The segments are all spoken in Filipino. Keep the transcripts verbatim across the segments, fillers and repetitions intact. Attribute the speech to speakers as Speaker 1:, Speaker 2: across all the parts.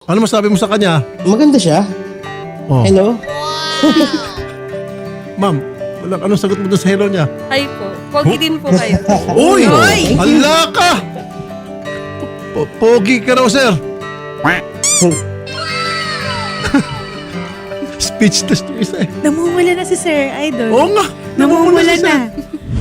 Speaker 1: Ano masabi mo sa kanya?
Speaker 2: Maganda siya.
Speaker 1: Oh.
Speaker 2: Hello?
Speaker 1: Ma'am, wala, anong sagot mo doon sa hello niya?
Speaker 3: Ay po. Pogi din po kayo.
Speaker 1: Uy!
Speaker 3: Uy!
Speaker 1: Hala ka! Po- Pogi ka raw, sir. Speechless to isa eh.
Speaker 4: Namumula na si Sir Idol.
Speaker 1: Oo nga.
Speaker 4: Namumula
Speaker 1: si
Speaker 4: na.
Speaker 1: sir.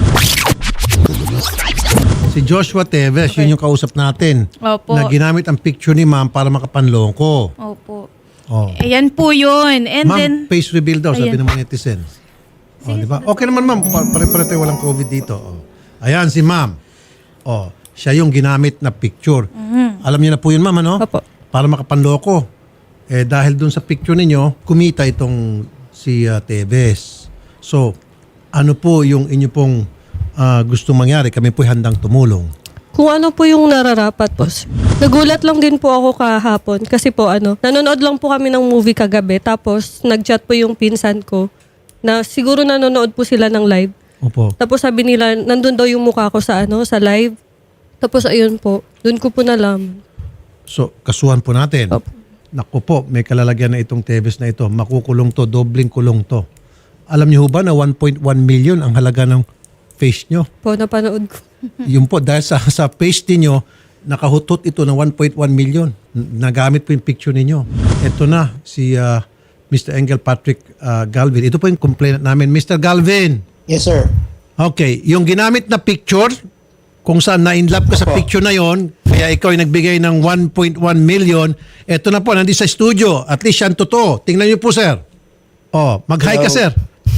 Speaker 1: Si Joshua Teves, yun yung kausap natin.
Speaker 3: Opo.
Speaker 1: Na ginamit ang picture ni ma'am para makapanloko.
Speaker 3: Opo.
Speaker 1: Oh.
Speaker 4: Ayan po yun. And then,
Speaker 1: Ma'am, face reveal daw, sabi
Speaker 4: Ayan.
Speaker 1: ng mga netizens. Oh, di ba? Okay naman ma'am, Pa- pare-pare tayo walang COVID dito. Oh. Ayan si ma'am. Oh, siya yung ginamit na picture. Alam niyo na po yun ma'am, ano?
Speaker 3: Opo.
Speaker 1: Para makapanloko. Eh dahil dun sa picture ninyo, kumita itong si uh, Teves. So, ano po yung inyo pong uh, gustong mangyari? Kami po handang tumulong.
Speaker 5: Kung ano po yung nararapat po. Nagulat lang din po ako kahapon kasi po ano, nanonood lang po kami ng movie kagabi tapos nag-chat po yung pinsan ko na siguro nanonood po sila ng live.
Speaker 1: Opo.
Speaker 5: Tapos sabi nila, nandun daw yung mukha ko sa ano, sa live. Tapos ayun po, dun ko po nalaman.
Speaker 1: So, kasuhan po natin.
Speaker 5: Opo.
Speaker 1: Naku po, may kalalagyan na itong Teves na ito. Makukulong to, dobling kulong to. Alam niyo ho ba na one point one million ang halaga ng face nyo?
Speaker 5: Po, napanood ko.
Speaker 1: Yun po, dahil sa, sa face ninyo, nakahutot ito ng one point one million. N- Nagamit po yung picture ninyo. Ito na, si uh, Mister Engel Patrick uh, Galvin. Ito po yung complainant namin. Mister Galvin,
Speaker 2: Yes, sir.
Speaker 1: okay, yung ginamit na picture, kung saan na-inlove ka sa
Speaker 2: Opo.
Speaker 1: picture na yon, kaya ikaw ay nagbigay ng one point one million, eto na po, nandito sa studio. At least yan totoo. Tingnan niyo po, sir. Oh, mag-hi ka,
Speaker 2: Hello.
Speaker 1: sir.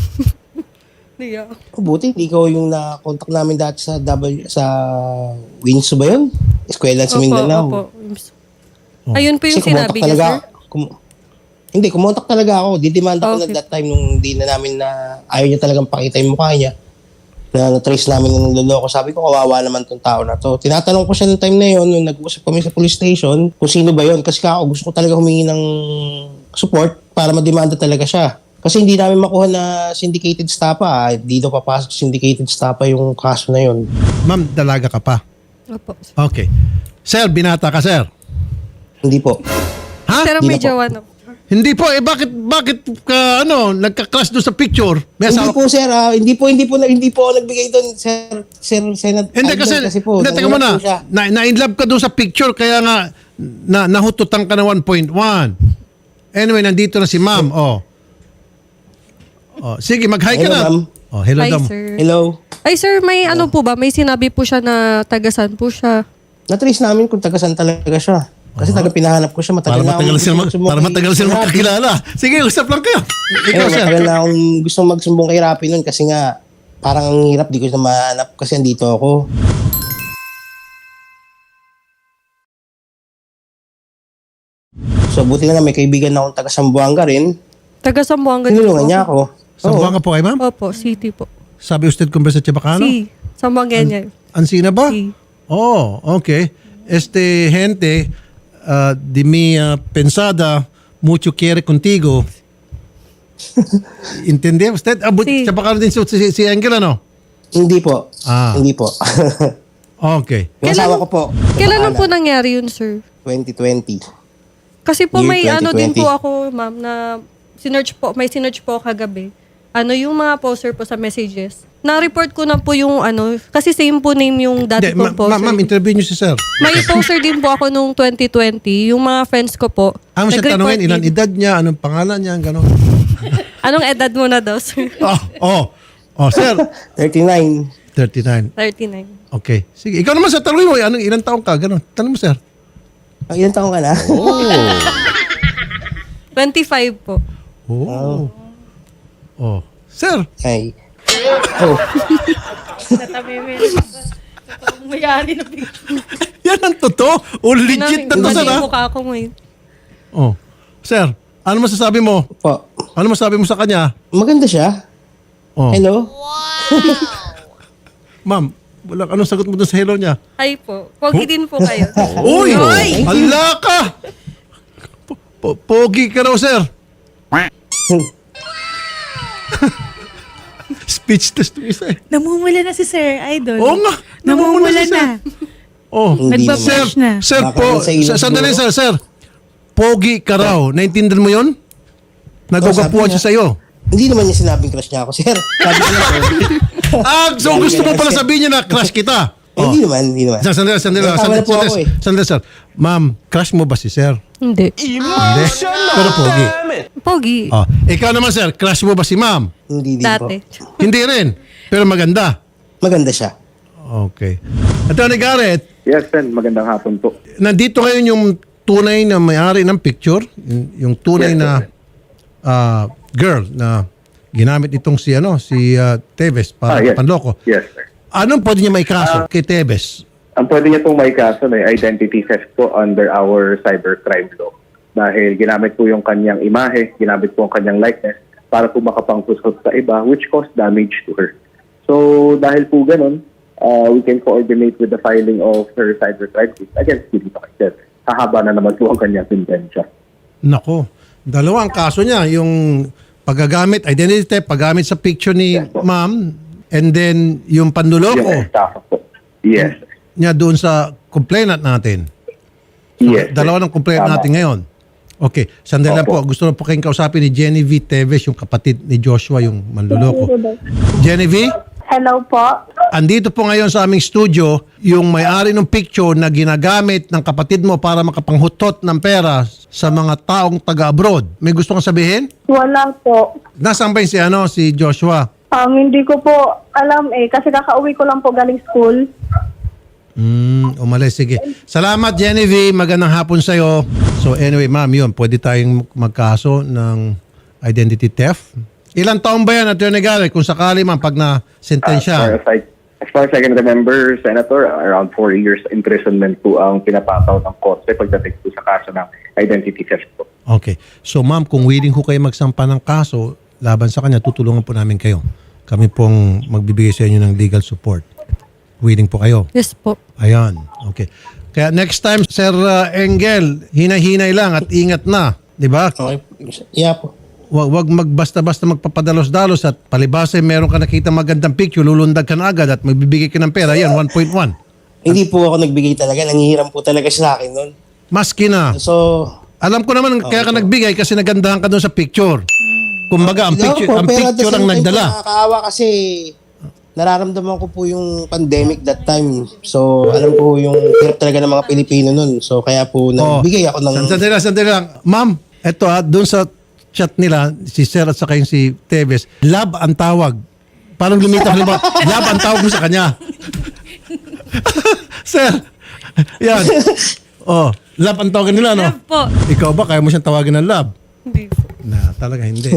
Speaker 5: Yeah.
Speaker 2: Oh, buti, hindi ko yung na-contact namin dati sa W, sa Winso ba yun? Eskwela sa Mindanao.
Speaker 5: Opo. Ayun po yung
Speaker 2: Kasi kumontak
Speaker 5: sinabi niya,
Speaker 2: talaga,
Speaker 5: sir.
Speaker 2: kum- hindi, kumontak talaga ako. Didemanda ko na
Speaker 5: Okay.
Speaker 2: that time nung hindi na namin na ayaw niya talagang pakita yung mukha niya. Na na-trace namin na niloloko. Sabi ko, kawawa naman tong tao na to. Tinatanong ko siya ng time na yon nung nag-uusap kami sa police station kung sino ba yon. Kasi ako gusto ko talaga humingi ng support para mademanda talaga siya. Kasi hindi namin makuha na syndicated stapa. Ah. Hindi daw papasok syndicated stapa yung kaso na yon.
Speaker 1: Ma'am, dalaga ka pa.
Speaker 5: Opo.
Speaker 1: Okay. Sir, binata ka, sir.
Speaker 2: Hindi po.
Speaker 1: Ha?
Speaker 5: Pero
Speaker 2: Di na
Speaker 5: may
Speaker 2: po.
Speaker 5: jowa na po.
Speaker 1: Hindi po, eh bakit, bakit ka, ano, nagka-clash doon sa picture? May
Speaker 2: Hindi
Speaker 1: asawa-
Speaker 2: po sir, ah, hindi po hindi po hindi po ako nagbigay doon sir, sir Senate.
Speaker 1: Hindi kasi,
Speaker 2: po,
Speaker 1: hindi, teka
Speaker 2: nangulat
Speaker 1: muna,
Speaker 2: po siya.
Speaker 1: na, na-inlove ka doon sa picture, kaya nga, na, nahututan ka na one point one. Anyway, nandito na si ma'am, oh. Oh, sige, mag-hi ka
Speaker 2: Hello,
Speaker 1: na.
Speaker 2: ma'am.
Speaker 1: Oh, hello,
Speaker 5: Hi,
Speaker 1: dam.
Speaker 5: sir.
Speaker 2: Hello.
Speaker 5: Ay, sir, may ano po ba? May sinabi po siya na tagasan po siya.
Speaker 2: Na-trace namin kung taga-saan talaga siya. Kasi taga pinahanap ko siya
Speaker 1: Para
Speaker 2: matagal na.
Speaker 1: matagal
Speaker 2: akong
Speaker 1: sila,
Speaker 2: gustong sumbong
Speaker 1: para
Speaker 2: kay-
Speaker 1: matagal sila
Speaker 2: kay Rapi.
Speaker 1: magkakilala. Sige, usap lang kayo.
Speaker 2: Eh,
Speaker 1: Ikaw, sir.
Speaker 2: matagal na akong gustong magsumbong kay Rapi nun kasi nga parang ang hirap, di ko na mahanap kasi andito ako. So buti na nga may kaibigan na akong taga Sambuanga rin.
Speaker 5: Taga Sambuanga din
Speaker 2: Tinulungan
Speaker 5: po
Speaker 2: niya
Speaker 5: ako.
Speaker 2: ako.
Speaker 1: Sambuanga po kayo, ma'am?
Speaker 5: Opo, city po.
Speaker 1: Sabi usted kung sa Chabacano?
Speaker 5: Si, Sambuanga niya.
Speaker 1: Ansina ba?
Speaker 5: Si.
Speaker 1: Oh, okay. Este gente ah, de mi ah, pensada mucho quiere contigo. ¿Entendía usted? Ah, but,
Speaker 5: Sí.
Speaker 1: Chabacano din si, si, si Angel, ano?
Speaker 2: Hindi po.
Speaker 1: Ah.
Speaker 2: Hindi po.
Speaker 1: Okay.
Speaker 2: Yung asawa ko po.
Speaker 5: Kailan lang po
Speaker 2: Bahala.
Speaker 5: nangyari yun, sir?
Speaker 2: twenty twenty.
Speaker 5: Kasi po
Speaker 2: Year
Speaker 5: may ano din
Speaker 2: twenty twenty.
Speaker 5: po ako, ma'am, na sinearch po, may sinearch po kagabi. Ano yung mga poster po sa messages. Na-report ko na po yung ano, kasi same po name yung dati
Speaker 1: Hindi,
Speaker 5: kong
Speaker 1: ma-
Speaker 5: poster.
Speaker 1: ma- ma'am, interview niyo si sir.
Speaker 5: May poster din po ako nung twenty twenty. Yung mga friends ko po.
Speaker 1: Ang siya
Speaker 5: nag-report
Speaker 1: tanongin, ilan
Speaker 5: din.
Speaker 1: edad niya, anong pangalan niya, gano'n.
Speaker 5: Anong edad mo na daw, sir?
Speaker 1: oh, oh, oh, sir.
Speaker 2: thirty-nine.
Speaker 1: thirty-nine.
Speaker 5: thirty-nine.
Speaker 1: Okay. Sige, ikaw naman sa tanongin mo, anong ilang taong ka, gano'n. Tanong mo, sir.
Speaker 2: Ang ilang taong ka na?
Speaker 5: twenty-five po.
Speaker 1: Oh. Oh. Sir,
Speaker 2: Ay. Oh.
Speaker 4: natabi mo yun. Totoong mayari na picture.
Speaker 1: yan ang totoo. O legit na to,
Speaker 5: Kasi
Speaker 1: sir, ha?
Speaker 5: yung mukha ko ngayon.
Speaker 1: Oh. Sir, ano masasabi mo?
Speaker 2: Po.
Speaker 1: Ano masasabi mo sa kanya?
Speaker 2: Maganda siya.
Speaker 1: Oh.
Speaker 2: Hello?
Speaker 1: Ma'am, wala, anong sagot mo doon sa hello niya?
Speaker 3: Ay po. Pogi din po kayo.
Speaker 1: Uy! Hala ka! Po- po- Pogi ka raw, sir. Speechless to isa eh.
Speaker 4: Namumula na si Sir Idol.
Speaker 1: Oo nga.
Speaker 4: Namumula
Speaker 1: si sir.
Speaker 4: na.
Speaker 1: Oh.
Speaker 2: Hindi
Speaker 4: Nagbabash
Speaker 1: Sir,
Speaker 4: na.
Speaker 1: sir
Speaker 2: Baka
Speaker 1: po,
Speaker 2: sa ilog
Speaker 1: sa- sandali
Speaker 2: mo.
Speaker 1: sir, sir. pogi ka raw. Naintindihan mo yun? Nagugwapuan
Speaker 2: sabi
Speaker 1: siya sa'yo.
Speaker 2: Hindi naman niya sinabing crush niya ako, sir. Sabi ko lang, sir.
Speaker 1: Ah, so gusto mo pala sabihin niya na crush kita.
Speaker 2: Eh, Hindi naman, hindi naman.
Speaker 1: Sir, sandali, sandali,
Speaker 2: Tama
Speaker 1: sandali,
Speaker 2: na po ako
Speaker 1: sandali,
Speaker 2: eh.
Speaker 1: sandali, sir. Ma'am, crush mo ba si sir?
Speaker 5: Hindi.
Speaker 1: Hindi. Pero pogi.
Speaker 3: Pogi.
Speaker 1: Oh, ikaw naman, sir, crush mo ba si ma'am?
Speaker 2: Hindi din po.
Speaker 3: Dati.
Speaker 1: Hindi rin. Pero maganda.
Speaker 2: Maganda siya.
Speaker 1: Okay. Attorney Garrett,
Speaker 6: Yes, Sen. Magandang hapon po.
Speaker 1: nandito ngayon yung tunay na may-ari ng picture, yung, yung tunay
Speaker 6: Yes,
Speaker 1: na
Speaker 6: sir.
Speaker 1: ah, girl na ginamit itong si ano si ah, Teves para
Speaker 6: Ah, yes.
Speaker 1: panloko.
Speaker 6: Yes, sir.
Speaker 1: Anong pwede niya may kaso kay Teves?
Speaker 6: Ang pwede niya pong may kaso na identity theft po under our cybercrime law. Dahil ginamit po yung kanyang imahe, ginamit po ang kanyang likeness para po makapangtusot sa iba which caused damage to her. So dahil po ganun, uh, we can coordinate with the filing of her cybercrime case against Philip Paquet. Hahaba na naman po ang kanyang sentensya.
Speaker 1: Nako, dalawa ang kaso niya, yung paggagamit, identity theft, paggamit sa picture ni
Speaker 6: Yes, po.
Speaker 1: ma'am, and then yung panluloko
Speaker 6: Yung estafa po. Yes, sir.
Speaker 1: niya doon sa complainant natin.
Speaker 6: Yes, sir.
Speaker 1: Dalawa ng complainant
Speaker 6: Tama.
Speaker 1: natin ngayon. Okay, sandali lang po.
Speaker 6: Opo.
Speaker 1: Gusto na po kayong kausapin ni Genevieve Teves, yung kapatid ni Joshua, yung manluloko. Genevieve,
Speaker 7: Hello po.
Speaker 1: andito po ngayon sa aming studio yung may-ari ng picture na ginagamit ng kapatid mo para makapanghutot ng pera sa mga taong taga-abroad. May gusto kang sabihin?
Speaker 7: Wala po.
Speaker 1: Nasaan ba yung si, ano, si Joshua?
Speaker 7: Um, hindi ko po alam eh kasi kakauwi ko lang po galing school.
Speaker 1: Hmm, umalis. Sige. Salamat, Genevieve. Magandang hapon sa'yo. So anyway, ma'am, yun. Pwede tayong magkaso ng identity theft. Ilang taon ba yan, Attorney Garrett? Kung sakali, ma'am, pag
Speaker 6: As far
Speaker 1: na-sentensya.
Speaker 6: as I, as far as I can remember, Senator, around four years imprisonment po ang pinapataw ng korte pagdating po sa kaso ng identity theft po.
Speaker 1: Okay. So ma'am, kung willing ko kayo magsampa ng kaso laban sa kanya, tutulungan po namin kayo. Kami pong magbibigay sa inyo ng legal support. Willing po kayo?
Speaker 5: Yes po.
Speaker 1: Ayan. Okay. Kaya next time, Sir uh, Engel, hinay-hinay lang at ingat na. Di ba?
Speaker 2: Okay. Yeah po.
Speaker 1: Wag, wag magbasta-basta magpapadalos-dalos at palibasa meron ka nakita magandang picture, lulundag ka na agad at magbibigay ka ng pera. Yan, one point one.
Speaker 2: Hindi po ako nagbigay talaga. Nangihiram po talaga siya sa akin nun.
Speaker 1: Maski na.
Speaker 2: So,
Speaker 1: Alam ko naman kaya ka nagbigay kasi nagandahan ka doon sa picture. Kumbaga, ang
Speaker 2: hindi ako
Speaker 1: picture,
Speaker 2: po,
Speaker 1: ang
Speaker 2: pero at the
Speaker 1: picture ang
Speaker 2: same time po,
Speaker 1: nagdala.
Speaker 2: Nakakaawa kasi nararamdaman ko po yung pandemic that time. So, alam ko yung hirap talaga ng mga Pilipino nun. So, kaya po nagbigay ako ng...
Speaker 1: Sandali lang, sandali lang. Ma'am, eto ha, doon sa chat nila, si Sir at saka yung si Teves, love ang tawag. Parang lumitaw halimbawa, love ang tawag mo sa kanya. Sir, yan. Oh, love ang tawag nila, no?
Speaker 3: Love po.
Speaker 1: Ikaw ba, kaya mo siyang tawagin ng love?
Speaker 3: Hindi po.
Speaker 1: Na, talaga hindi.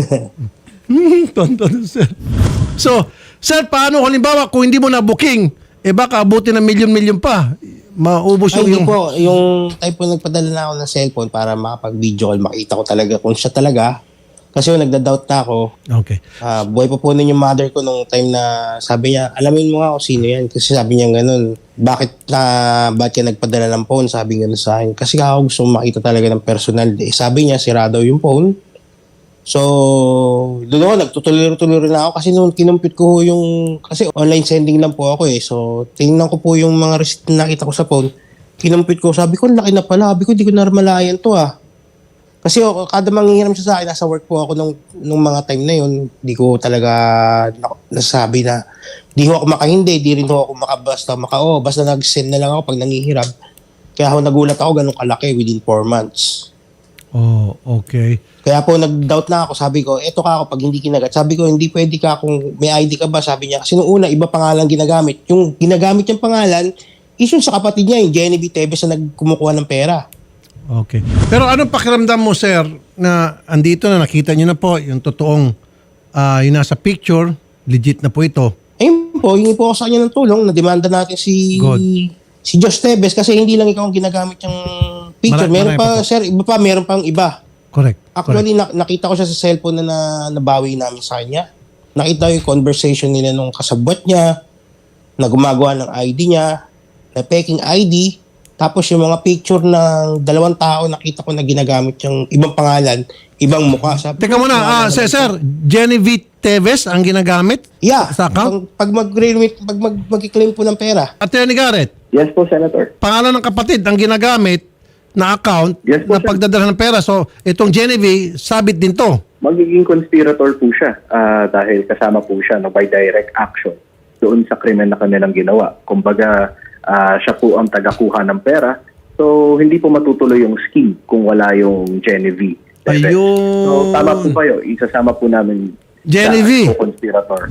Speaker 1: Hmm, tonton, sir. So, sir, paano halimbawa kung hindi mo na booking, eh baka abutin ng milyon-milyon pa. Maubos
Speaker 2: Ay,
Speaker 1: yung...
Speaker 2: hindi
Speaker 1: yung
Speaker 2: po. Yung type po nagpadala na ako ng cellphone para makapag-video call, makita ko talaga kung siya talaga. Kasi yung nagda-doubt na ako.
Speaker 1: Okay.
Speaker 2: Ah, buhay pa po nun yung mother ko nung time na sabi niya, alamin mo nga kung sino yan. Kasi sabi niya ganun, bakit na, bakit ka nagpadala ng phone? Sabi nga sa akin. Kasi ako gusto makita talaga ng personal. Eh, sabi niya, sira daw yung phone. So, doon ako, nagtutuloy-tuloy na ako kasi nung kinumpit ko yung, kasi online sending lang po ako eh. So, tingnan ko po yung mga receipt na nakita ko sa phone. Kinumpit ko, sabi ko, laki na pala. Sabi ko, di ko narmalayan to ah. Kasi oh, kada manghihiram siya sa akin, nasa work po ako nung, nung mga time na yun. Di ko talaga na- nasabi na di ho ako makahindi, di rin ho ako makabasta, maka, oh, basta nag-send na lang ako pag nangihiram. Kaya ako nagulat ako ganun kalaki within four months.
Speaker 1: Oh, okay.
Speaker 2: Kaya po nag-doubt na ako, sabi ko, eto ka ako pag hindi kinagat. Sabi ko, hindi pwede ka kung may I D ka ba, sabi niya. Kasi nung una, iba pangalan ginagamit. Yung ginagamit yung pangalan, is yung sa kapatid niya, yung Genevieve Teves na nagkumukuha ng pera.
Speaker 1: Okay. Pero anong pakiramdam mo, sir, na andito na nakita niyo na po yung totoong ah, yung nasa picture, legit na po ito.
Speaker 2: Ayun po, hingi po ako sa kanya ng tulong, na-demanda natin si
Speaker 1: Good.
Speaker 2: si Josh Teves kasi hindi lang ikaw ang ginagamit yung picture.
Speaker 1: Mara-
Speaker 2: meron
Speaker 1: marami
Speaker 2: pa,
Speaker 1: pa po.
Speaker 2: sir, iba pa, meron pang iba.
Speaker 1: Correct.
Speaker 2: Actually, na- nakita ko siya sa cellphone na, na nabawi namin sa kanya. Nakita ko yung conversation nila nung kasabwat niya, na gumagawa ng I D niya, na peking I D, tapos yung mga picture ng dalawang tao, nakita ko na ginagamit yung ibang pangalan, ibang mukha. Sabi
Speaker 1: Teka
Speaker 2: ko,
Speaker 1: muna, ah, sir, sir, Genevieve Teves ang ginagamit
Speaker 2: Yeah,
Speaker 1: sa account?
Speaker 2: pag, pag mag-remit, pag mag, mag-claim po ng pera.
Speaker 1: Attorney Garrett,
Speaker 6: Yes po, Senator.
Speaker 1: pangalan ng kapatid ang ginagamit na account
Speaker 6: Yes po,
Speaker 1: na
Speaker 6: sir.
Speaker 1: pagdadala ng pera. So, itong Genevieve, sabit din to.
Speaker 6: Magiging conspirator po siya ah, dahil kasama po siya no, by direct action doon sa krimen na kanilang ginawa. Kumbaga, ah, siya po ang tagakuha ng pera. So, hindi po matutuloy yung scheme kung wala yung Genevieve.
Speaker 1: Ayun.
Speaker 6: So, tama po kayo. Isasama po namin
Speaker 1: Genevieve.
Speaker 6: sa conspirator.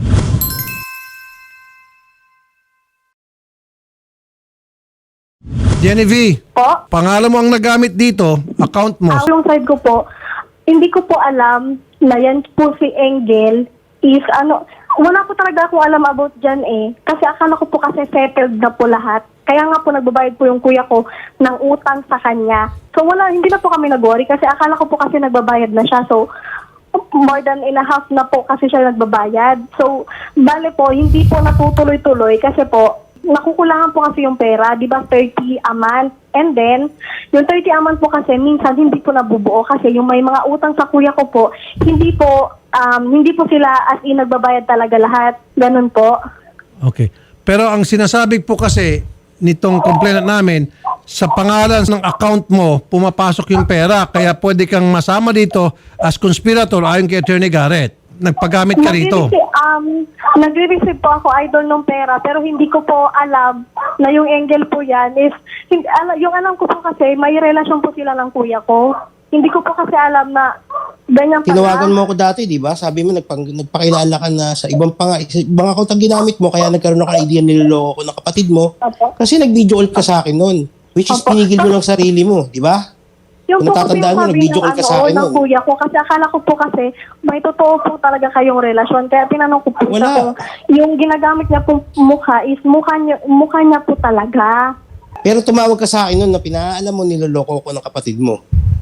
Speaker 1: Genevieve,
Speaker 7: Po?
Speaker 1: pangalan mo ang nagamit dito, account mo.
Speaker 7: Ang yung side ko po, hindi ko po alam na yan po si Engel is ano, wala po talaga akong alam about dyan eh. Kasi akala ko po kasi settled na po lahat. Kaya nga po nagbabayad po yung kuya ko ng utang sa kanya. So wala, hindi na po kami nag-worry kasi akala ko po kasi nagbabayad na siya. So more than in a half na po kasi siya nagbabayad. So bale po, hindi po natutuloy-tuloy kasi po nakukulangan po kasi yung pera, di ba thirty a month. And then, yung thirty a month po kasi minsan hindi po nabubuo kasi yung may mga utang sa kuya ko po, hindi po, um, hindi po sila as in nagbabayad talaga lahat. Ganun po.
Speaker 1: Okay. Pero ang sinasabi po kasi nitong complainant namin, sa pangalan ng account mo, pumapasok yung pera. Kaya pwede kang masama dito as conspirator ayon kay Attorney Garrett. Nagpagamit ka rito.
Speaker 7: Nagre-receive, um, nagre-receive po ako idol ng pera pero hindi ko po alam na yung Engel po yan is, hindi, ala, yung alam ko po kasi may relasyon po sila ng kuya ko. Hindi ko po kasi alam na ganyan pala.
Speaker 2: Tinawagan mo ako dati, di ba? Sabi mo, nagpang, nagpakilala ka na sa ibang pang, ibang account ang ginamit mo, kaya nagkaroon ako ng idea niloloko ko ng kapatid mo.
Speaker 7: Opo.
Speaker 2: Kasi nag-video call ka sa akin noon. Which is
Speaker 7: Opo.
Speaker 2: pinigil mo ng sarili mo, di ba?
Speaker 7: Yung
Speaker 2: Kung
Speaker 7: po kasi
Speaker 2: natatandaan
Speaker 7: yung
Speaker 2: mo,
Speaker 7: sabi
Speaker 2: nag-video
Speaker 7: ng,
Speaker 2: call ka sa
Speaker 7: ano,
Speaker 2: akin
Speaker 7: ng
Speaker 2: nun.
Speaker 7: kuya ko kasi akala ko po kasi may totoo po talaga kayong relasyon. Kaya tinanong ko po siya
Speaker 2: Wala.
Speaker 7: kung yung ginagamit niya po mukha is mukha niya, mukha niya po talaga.
Speaker 2: Pero tumawag ka sa akin noon na pinaalam mo niloloko ko ng kapatid mo.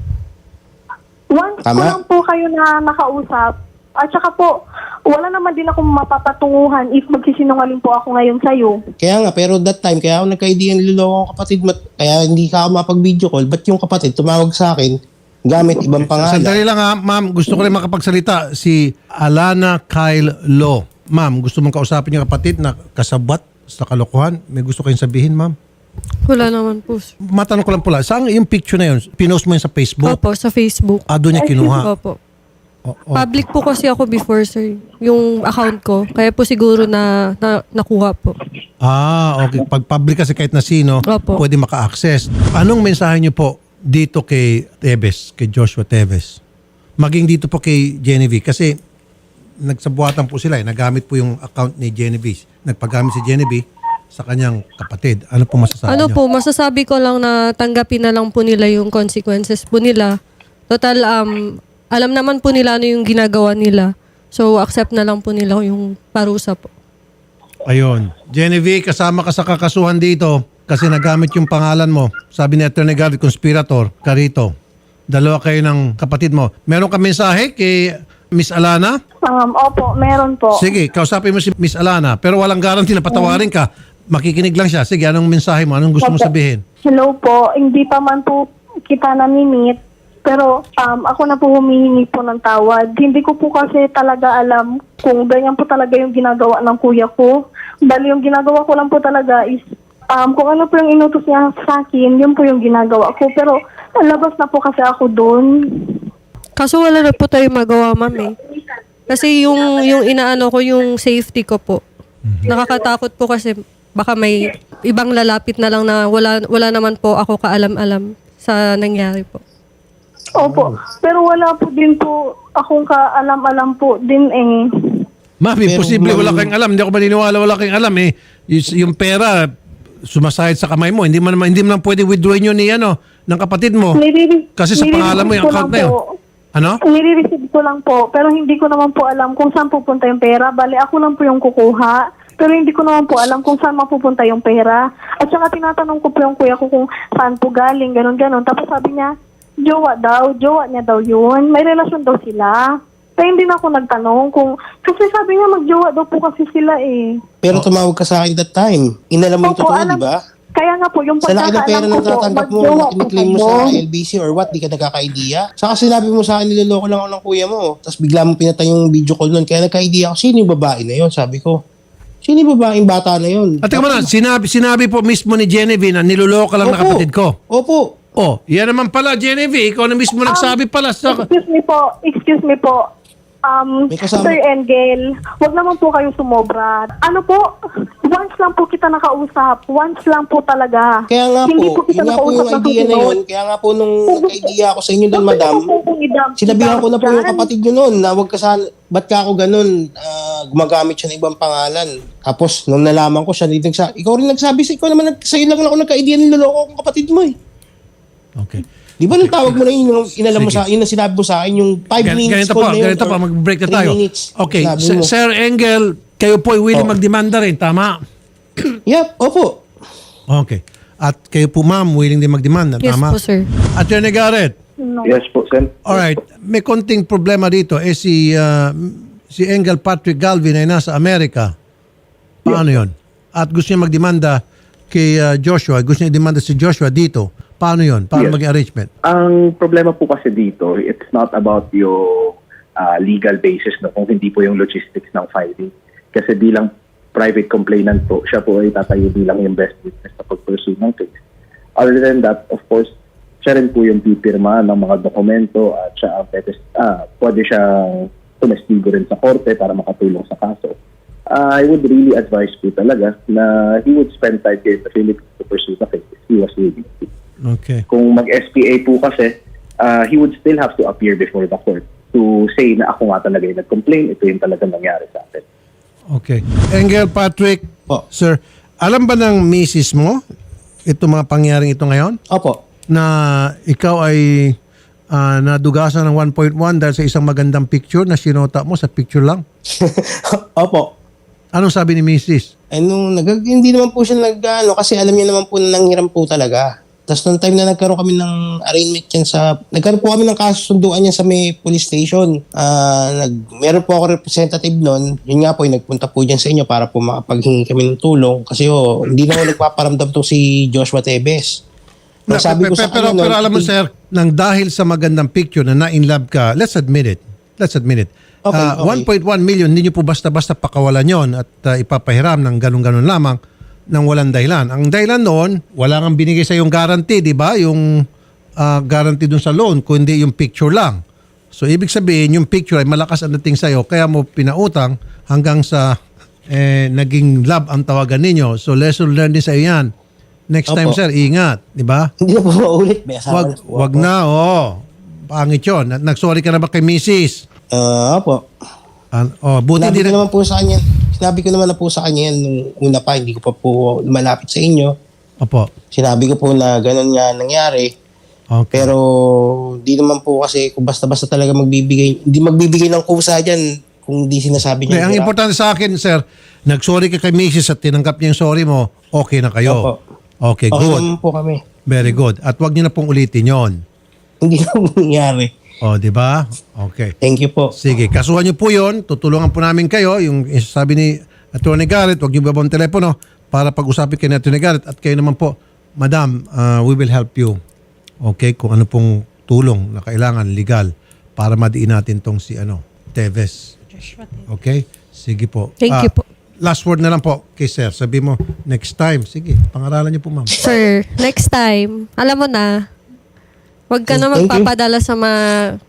Speaker 7: Once
Speaker 2: Tama?
Speaker 7: ko lang po kayo na nakausap, at saka po, wala naman din akong mapapatunguhan if magsisinungaling po ako ngayon sa'yo.
Speaker 2: Kaya nga, pero that time, kaya ako nagka-idea niloloko ko kapatid mo, kaya hindi ka ako mapag-video call. Ba't yung kapatid tumawag sa akin gamit ibang pangalan?
Speaker 1: Sandali lang ha, ma'am. Gusto ko rin makapagsalita. Si Alana Kyle Lo. Ma'am, gusto mong kausapin yung kapatid na kasabwat sa kalokohan? May gusto kayong sabihin, ma'am?
Speaker 5: Wala naman po. sir.
Speaker 1: Matanong ko lang pula, saan yung picture na yun? Pinost mo yun sa Facebook?
Speaker 5: Opo, sa Facebook.
Speaker 1: Ah, doon niya kinuha?
Speaker 5: Opo.
Speaker 1: O- o-
Speaker 5: Public po kasi ako before, sir. Yung account ko. Kaya po siguro na, na nakuha po.
Speaker 1: Ah, okay. Pag public kasi kahit na sino,
Speaker 5: Opo.
Speaker 1: pwede maka-access. Anong mensahe niyo po dito kay Teves, kay Joshua Teves? Maging dito po kay Genevieve. Kasi nagsabuatan po sila eh. Nagamit po yung account ni Genevieve. Nagpagamit si Genevieve sa kanyang kapatid. Ano po masasabi
Speaker 5: Ano
Speaker 1: niyo?
Speaker 5: po, masasabi ko lang na tanggapin na lang po nila yung consequences po nila. Total, um, alam naman po nila ano yung ginagawa nila. So, accept na lang po nila yung parusa po.
Speaker 1: Ayun. Genevieve, kasama ka sa kakasuhan dito kasi nagamit yung pangalan mo. Sabi ni Attorney Garvey, conspirator, ka rito. Dalawa kayo ng kapatid mo. Meron ka mensahe kay Miss Alana?
Speaker 7: Um, opo, meron po.
Speaker 1: Sige, kausapin mo si Miss Alana. Pero walang guarantee na patawarin ka. Makikinig lang siya. Sige, anong mensahe mo? Anong gusto mo
Speaker 7: Opo.
Speaker 1: sabihin?
Speaker 7: Hello po, hindi pa man po kita nami-meet, pero um, ako na po humihingi po ng tawad. Hindi ko po kasi talaga alam kung ganyan po talaga yung ginagawa ng kuya ko. Bali yung ginagawa ko lang po talaga is um, kung ano po yung inutos niya sa akin, yun po yung ginagawa ko. Pero labas na po kasi ako doon.
Speaker 5: Kaso wala na po tayo magawa, ma'am eh. Kasi yung, yung inaano ko, yung safety ko po. Nakakatakot po kasi baka may ibang lalapit na lang na wala, wala naman po ako kaalam-alam sa nangyari po.
Speaker 7: Opo, pero wala po din po akong kaalam-alam po din eh.
Speaker 1: Ma'am,
Speaker 2: Pero,
Speaker 1: imposible.
Speaker 2: ma'am-
Speaker 1: Wala kayong alam. Hindi ako maniniwala wala kayong alam eh. Y- yung pera, sumasahid sa kamay mo. Hindi mo naman, hindi mo naman pwede withdrawin yun ni ano, ng kapatid mo.
Speaker 7: Nire-
Speaker 1: Kasi sa pangalan mo yung
Speaker 7: nire-receive ko
Speaker 1: account
Speaker 7: lang
Speaker 1: na yun.
Speaker 7: po.
Speaker 1: Ano?
Speaker 7: Nire-receive ko lang po, pero hindi ko naman po alam kung saan pupunta yung pera. Bali, ako lang po yung kukuha. Pero hindi ko naman po alam kung saan mapupunta yung pera. At saka tinatanong ko po yung kuya ko kung saan po galing, ganun-ganun. Tapos sabi niya, jowa daw, jowa niya daw yun. May relasyon daw sila. Kaya hindi na ako nagtanong kung, kasi sabi niya magjowa daw po kasi sila eh.
Speaker 2: Pero tumawag ka sa akin that time. Inalam mo yung
Speaker 7: Opo,
Speaker 2: totoo,
Speaker 7: alam-
Speaker 2: di ba?
Speaker 7: Kaya nga po, yung
Speaker 2: Sa laki ng pera
Speaker 7: pagkakaalam
Speaker 2: na
Speaker 7: ko po,
Speaker 2: natatanggap mo,
Speaker 7: magjowa
Speaker 2: na
Speaker 7: po
Speaker 2: kiniklaim mo
Speaker 7: kayo.
Speaker 2: sa L B C or what, di ka nagkaka-idea. Saka sinabi mo sa akin, niloloko lang ako ng kuya mo. Tapos bigla mo pinatay yung video call nun. Kaya nagka-idea ako, sino yung babae na yun? Sabi ko, sino yung babaeng bata na yun?
Speaker 1: At teka muna, sinabi, sinabi po mismo ni Genevieve na niloloko lang na
Speaker 2: Opo.
Speaker 1: kapatid ko.
Speaker 2: Opo.
Speaker 1: Oh, yan naman pala, Genevieve. Ikaw na mismo nagsabi pala sa...
Speaker 7: Excuse me po, excuse me po. Um,
Speaker 2: May kasama-
Speaker 7: Sir Engel, wag naman po kayo sumobra. Ano po, once lang po kita nakausap. Once lang po talaga.
Speaker 2: Kaya nga
Speaker 7: Hindi
Speaker 2: po,
Speaker 7: po kita
Speaker 2: yun nga po yung
Speaker 7: nakausap ng
Speaker 2: idea na
Speaker 7: susunod.
Speaker 2: yun. Kaya nga po nung nagka-idea ako sa inyo doon,
Speaker 7: Bakit
Speaker 2: madam,
Speaker 7: mo po kung idam-
Speaker 2: sinabihan ko na po yung
Speaker 7: idam-
Speaker 2: kapatid nyo noon na wag ka sana, ba't ka ako ganun, ah, gumagamit siya ng ibang pangalan. Tapos, nung nalaman ko siya, dito nagsa, ikaw rin nagsabi sa ikaw naman, nag- sa'yo lang ako nagka-idea ng loloko kong kapatid mo eh.
Speaker 1: Okay.
Speaker 2: Di ba nung tawag mo na yun, yung inalam mo
Speaker 1: Sige.
Speaker 2: sa yun na sinabi mo sa akin, yung five
Speaker 1: Gan-
Speaker 2: minutes
Speaker 1: ganito
Speaker 2: call
Speaker 1: po,
Speaker 2: na yun,
Speaker 1: ganito po,
Speaker 2: or
Speaker 1: mag-break na
Speaker 2: three
Speaker 1: tayo.
Speaker 2: minutes,
Speaker 1: Okay,
Speaker 2: sinabi
Speaker 1: Sir,
Speaker 2: mo.
Speaker 1: Sir Engel, kayo po ay willing
Speaker 2: Oh.
Speaker 1: magdemanda rin, tama?
Speaker 2: Yep, opo.
Speaker 1: Okay. At kayo po, ma'am, willing din magdemanda,
Speaker 5: Yes
Speaker 1: tama?
Speaker 5: po, sir.
Speaker 1: Attorney Garrett,
Speaker 6: Yes po, Sen.
Speaker 1: alright, may konting problema dito. Eh si, ah, si Engel Patrick Galvin ay nasa Amerika. Paano yon? At gusto niya magdemanda kay ah, Joshua, gusto niya demanda si Joshua dito. Paano yon? Paano
Speaker 6: Yes.
Speaker 1: maging arrangement?
Speaker 6: Ang problema po kasi dito, it's not about yung ah, legal basis no, kung hindi po yung logistics ng filing. Kasi bilang private complainant po, siya po ay tatayo bilang yung best witness sa pag-pursue ng case. Other than that, of course, siya rin po yung pipirma ng mga dokumento at siya ang pwede, ah, pwede siyang tumestigo rin sa korte para makatulong sa kaso. Ah, I would really advise po talaga na he would spend time here in the Philippines to pursue the case if he was willing to.
Speaker 1: Okay.
Speaker 6: Kung mag-S P A po kasi, uh, he would still have to appear before the court to say na ako nga talaga yung nag-complain, ito yung talaga nangyari sa atin.
Speaker 1: Okay. Engel Patrick,
Speaker 2: Po.
Speaker 1: sir, alam ba ng misis mo ito mga pangyaring ito ngayon?
Speaker 2: Opo.
Speaker 1: Na ikaw ay ah, nadugasan ng one point one dahil sa isang magandang picture na sinota mo sa picture lang?
Speaker 2: Opo.
Speaker 1: Anong sabi ni misis?
Speaker 2: Eh, nung nag, hindi naman po siya nag, ano, kasi alam niya naman po na nanghiram po talaga. Tapos nung time na nagkaroon kami ng arraignment yan sa, nagkaroon po kami ng kasunduan yan sa may police station. Ah, nag, meron po ako representative noon. Yun nga po, yung nagpunta po dyan sa inyo para po makapaghingi kami ng tulong. Kasi oh, hindi na ako nagpaparamdam to si Joshua Tevez.
Speaker 1: Na,
Speaker 2: Sabi ko
Speaker 1: pe-
Speaker 2: sa
Speaker 1: pero,
Speaker 2: kanya
Speaker 1: pero
Speaker 2: noon,
Speaker 1: alam mo
Speaker 2: hindi-
Speaker 1: sir, nang dahil sa magandang picture na na-in love ka, let's admit it. Let's admit it.
Speaker 2: Okay,
Speaker 1: Ah,
Speaker 2: okay.
Speaker 1: one point one million, hindi nyo po basta-basta pakawalan yon at ah, ipapahiram ng ganun-ganun lamang ng walang dahilan. Ang dahilan noon, wala kang binigay sa yung guarantee, di ba? Yung ah, guarantee dun sa loan, kundi yung picture lang. So, ibig sabihin, yung picture ay malakas ang dating sa'yo, kaya mo pinautang hanggang sa eh, naging love ang tawagan ninyo. So, lesson learned din sa iyo yan. Next time,
Speaker 2: Opo.
Speaker 1: sir, ingat. Di ba?
Speaker 2: Hindi na po maulit. May asawa
Speaker 1: Wag,
Speaker 2: na po
Speaker 1: wag
Speaker 2: ako.
Speaker 1: na, oh. Pangit yun. Nag- Nag-sorry ka na ba kay missus?
Speaker 2: Ah, opo.
Speaker 1: An- oh, buti
Speaker 2: Sinabi
Speaker 1: din.
Speaker 2: ko naman po sa kanya, sinabi ko naman na po sa kanya yan nung una pa, hindi ko pa po malapit sa inyo.
Speaker 1: Opo.
Speaker 2: Sinabi ko po na ganun nga nangyari.
Speaker 1: Okay.
Speaker 2: Pero di naman po kasi kung basta-basta talaga magbibigay, hindi magbibigay ng kusa dyan kung di sinasabi
Speaker 1: Okay,
Speaker 2: niya.
Speaker 1: ang importante sa akin, sir, nag-sorry ka kay missus at tinanggap niya yung sorry mo, okay na kayo.
Speaker 2: Opo.
Speaker 1: Okay,
Speaker 2: Okay
Speaker 1: good.
Speaker 2: naman po kami.
Speaker 1: Very good. At wag niyo na pong ulitin yon.
Speaker 2: Hindi na po nangyari.
Speaker 1: O, di ba? Okay.
Speaker 2: Thank you po.
Speaker 1: Sige, kasuhan niyo po yon. Tutulungan po namin kayo. Yung sabi ni Attorney Garrett, wag niyo babang telepono para pag-usapin kayo ni Attorney Garrett. At kayo naman po, Madam, uh, we will help you. Okay? Kung ano pong tulong na kailangan, legal, para madiin natin tong si ano, Tevez. Okay? Sige po.
Speaker 5: Thank
Speaker 1: Ah,
Speaker 5: you po.
Speaker 1: Last word na lang po kay sir. Sabi mo, next time. Sige, pangaralan niyo po, ma'am.
Speaker 5: Sir, next time, alam mo na, wag ka na
Speaker 2: Thank you.
Speaker 5: magpapadala sa mga,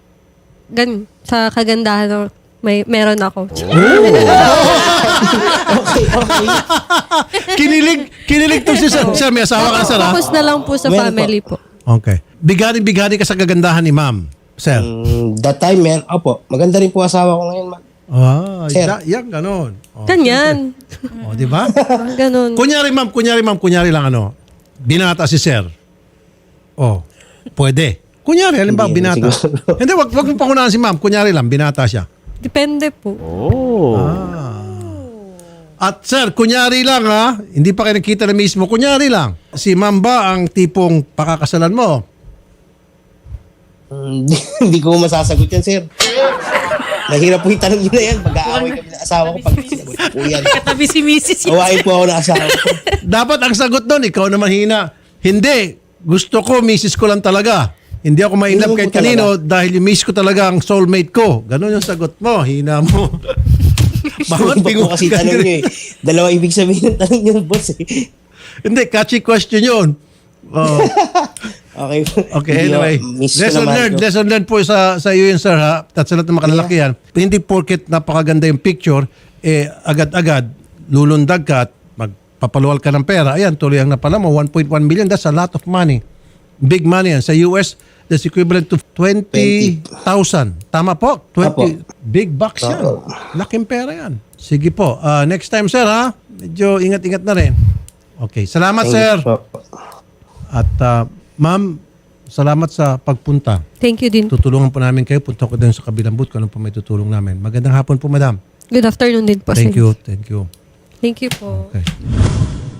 Speaker 5: gan, sa kagandahan na may, meron ako.
Speaker 2: Okay, okay.
Speaker 1: kinilig, kinilig to si sir. Sir, may asawa ka na, sir, ha?
Speaker 5: Focus na lang po sa
Speaker 2: Meron
Speaker 5: family po.
Speaker 1: Okay. Bigani-bigani ka sa kagandahan ni ma'am, sir.
Speaker 2: Mm, that time, man, opo, maganda rin po asawa ko ngayon, ma'am.
Speaker 1: Ah,
Speaker 2: Sir.
Speaker 1: ya, yan, ganon. Oh,
Speaker 5: Ganyan.
Speaker 1: oh, di ba?
Speaker 5: Parang ganun.
Speaker 1: kunyari, ma'am, kunyari, ma'am, kunyari lang, ano, binata si sir. Oh, pwede. Kunyari, halimbawa,
Speaker 2: Hindi,
Speaker 1: binata.
Speaker 2: siguro.
Speaker 1: Hindi, wag, wag mo pangunahan si ma'am. Kunyari lang, binata siya.
Speaker 5: Depende po.
Speaker 1: At sir, kunyari lang ha, hindi pa kayo nakita na mismo, kunyari lang. Si ma'am ba ang tipong pakakasalan mo?
Speaker 2: Mm, Hindi ko masasagot yan, sir. Mahirap po yung tanong yun na yan. Mag-aaway kami ng asawa ko pag sinagot po yan.
Speaker 4: Katabi si missus yun.
Speaker 2: Awain po ako ng asawa ko.
Speaker 1: Dapat ang sagot doon, ikaw naman hina. Hindi, gusto ko, misis ko lang talaga. Hindi ako ma-inlove
Speaker 2: Hindi
Speaker 1: kahit
Speaker 2: mo po
Speaker 1: kanino dahil yung miss ko talaga ang soulmate ko. Ganon yung sagot mo, hina mo. Bawat
Speaker 2: Iba
Speaker 1: pingo
Speaker 2: po kasi tanong nyo eh. Dalawa ibig sabihin ng tanong nyo, boss eh.
Speaker 1: Hindi, catchy question yun. Oh.
Speaker 2: Okay.
Speaker 1: Okay,
Speaker 2: Hindi,
Speaker 1: anyway.
Speaker 2: oh, miss ko
Speaker 1: Lesson
Speaker 2: naman
Speaker 1: learned,
Speaker 2: to.
Speaker 1: lesson learned po sa, sa iyo yun, sir, ha? At sa lahat ng makalalakihan. Hindi porket napakaganda yung picture, eh, agad-agad, lulundag ka at magpapaluwal ka ng pera. Ayan, tuloy ang napala mo, one point one million. That's a lot of money. Big money yan. Sa U S, that's equivalent to twenty thousand. Tama po? twenty. Big bucks yan.
Speaker 2: Opo.
Speaker 1: Laking pera yan. Sige po. Ah, next time, sir, ha? Medyo ingat-ingat na rin. Okay. Salamat,
Speaker 2: Thank you
Speaker 1: sir.
Speaker 2: po.
Speaker 1: At ah, ma'am, salamat sa pagpunta.
Speaker 5: Thank you din.
Speaker 1: Tutulungan po namin kayo. Punta ko din sa kabilang booth kung ano po may tutulong namin. Magandang hapon po, madam.
Speaker 5: Good afternoon din po.
Speaker 1: Thank
Speaker 5: sir.
Speaker 1: you. Thank you.
Speaker 5: Thank you po.
Speaker 1: Okay.